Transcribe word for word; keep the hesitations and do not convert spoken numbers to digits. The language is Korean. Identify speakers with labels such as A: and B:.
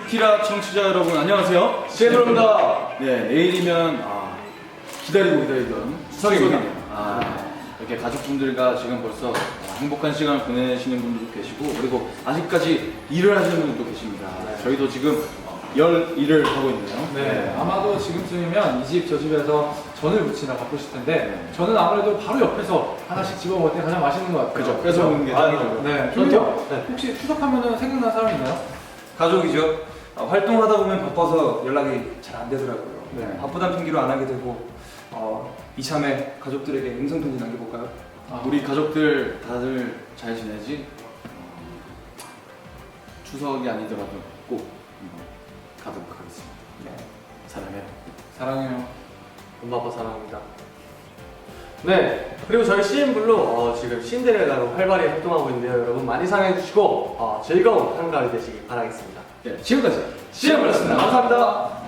A: 키라 청취자 여러분 안녕하세요.
B: 제노입니다.
A: 네, 내일이면 아, 기다리고 기다리던
B: 추석입니다.
A: 아, 이렇게 가족분들과 지금 벌써 행복한 시간을 보내시는 분들도 계시고 그리고 아직까지 일을 하시는 분들도 계십니다.
B: 네.
A: 저희도 지금 열 일을 하고 있네요.
B: 네, 아마도 지금쯤이면 이 집 저 집에서 전을 무치다 바쁘실 텐데 저는 아무래도 바로 옆에서 하나씩 집어 먹을 때 가장 맛있는 것 같아요.
A: 그죠. 뺏어 먹는 게
B: 아,
A: 당연하죠.
B: 네,
C: 저도요?
B: 저도요.
C: 네.
B: 혹시 추석하면은 생각나는 사람 있나요?
C: 가족이죠. 어, 활동하다 보면 바빠서 연락이 잘 안 되더라고요.
B: 네.
C: 바쁘다는 핑계로 안 하게 되고 어, 이참에 가족들에게 음성편지 남겨볼까요?
B: 아,
A: 우리 가족들 다들 잘 지내지? 어, 추석이 아니더라도 꼭 한번 가도록 하겠습니다.
C: 네.
A: 사랑해요.
B: 사랑해요.
D: 엄마 아빠 사랑합니다. 네, 그리고 저희 씨엠블루 어, 지금 신데렐라로 활발히 활동하고 있는데요. 여러분 많이 사랑해주시고 어, 즐거운 한가위 되시길 바라겠습니다.
A: 네, 지금까지
B: 씨엠블루였습니다. 감사합니다.